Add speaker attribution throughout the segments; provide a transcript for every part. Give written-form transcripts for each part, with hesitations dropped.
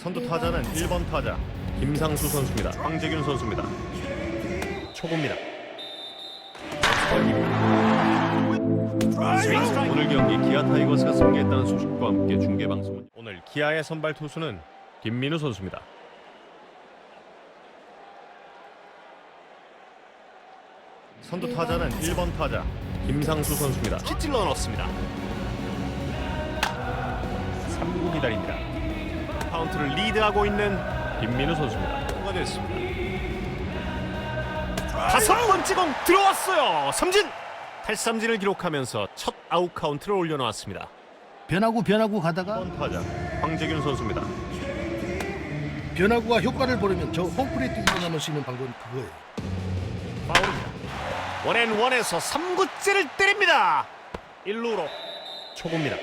Speaker 1: 선두 타자는 1번 타자 김상수 선수입니다. 황재균 선수입니다. 초구입니다. 오늘 경기 기아 타이거스가 승리했다는 소식과 함께 중계방송은 오늘 기아의 선발 투수는 김민우 선수입니다. 선두 타자는 1번 타자 김상수 선수입니다. 찔러 넣었습니다. 3구 기다립니다. 카운트를 리드하고 있는 김민우 선수입니다. 통과 됐습니다. 다섯 번째 공 들어왔어요. 삼진! 탈삼진을 기록하면서 첫 아웃 카운트를 올려놓았습니다.
Speaker 2: 변화구 가다가
Speaker 1: 1번 타자 황재균 선수입니다.
Speaker 2: 변화구가 효과를 보려면 저 홈플레이트 일어나면 수 있는 방법은 그거예요.
Speaker 1: 파울입니다. 원앤원에서 3구째를 때립니다. 1루로 초구입니다.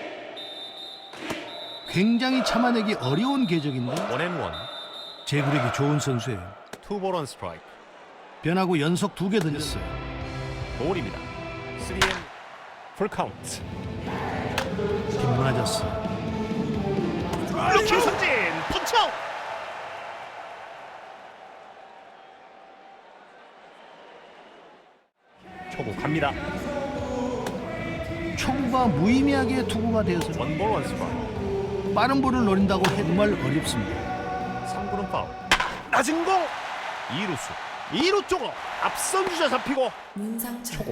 Speaker 2: 굉장히 참아내기 어려운 궤적인데
Speaker 1: 원앤원
Speaker 2: 제구력이 좋은 선수예요.
Speaker 1: 투볼 원 스트라이크.
Speaker 2: 변화구 연속 2개 던졌어요.
Speaker 1: 볼입니다. 3앤 풀카운트.
Speaker 2: 빗 맞았어요.
Speaker 1: 루킹 삼진 펀치아웃. 초구 갑니다.
Speaker 2: 초구가 무의미하게 투구가 되어서
Speaker 1: 원볼 원 스트라이크.
Speaker 2: 빠른 볼을 노린다고 해도 정말 어렵습니다.
Speaker 1: 3구는 파울. 낮은 공 2루수 쪽으로 앞선 주자 잡히고 초구.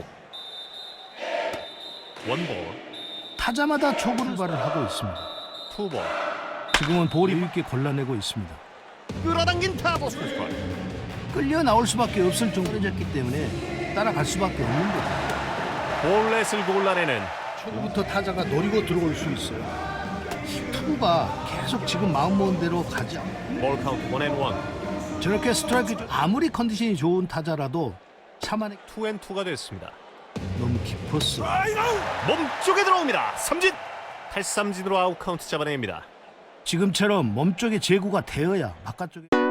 Speaker 1: 원볼
Speaker 2: 타자마다 초구를 발을 하고 있습니다.
Speaker 1: 투볼.
Speaker 2: 지금은 볼이 있게 골라내고 있습니다.
Speaker 1: 끌어당긴 타구 스트라이크.
Speaker 2: 끌려 나올 수밖에 없을 정도였기 때문에 따라갈 수밖에 없는 거죠.
Speaker 1: 볼넷을 골라내는
Speaker 2: 초구부터 타자가 노리고 들어올 수 있어요. 투구가 계속 지금 마음 먹은 대로 가지 않고
Speaker 1: 볼 카운트 원앤원.
Speaker 2: 저렇게 스트라이크 아무리 컨디션이 좋은 타자라도 참아내
Speaker 1: 투앤투가 됐습니다.
Speaker 2: 너무 깊었어.
Speaker 1: 몸쪽에 들어옵니다. 삼진. 탈삼진으로 아웃 카운트 잡아냅니다.
Speaker 2: 지금처럼 몸쪽에 제구가 되어야 바깥쪽에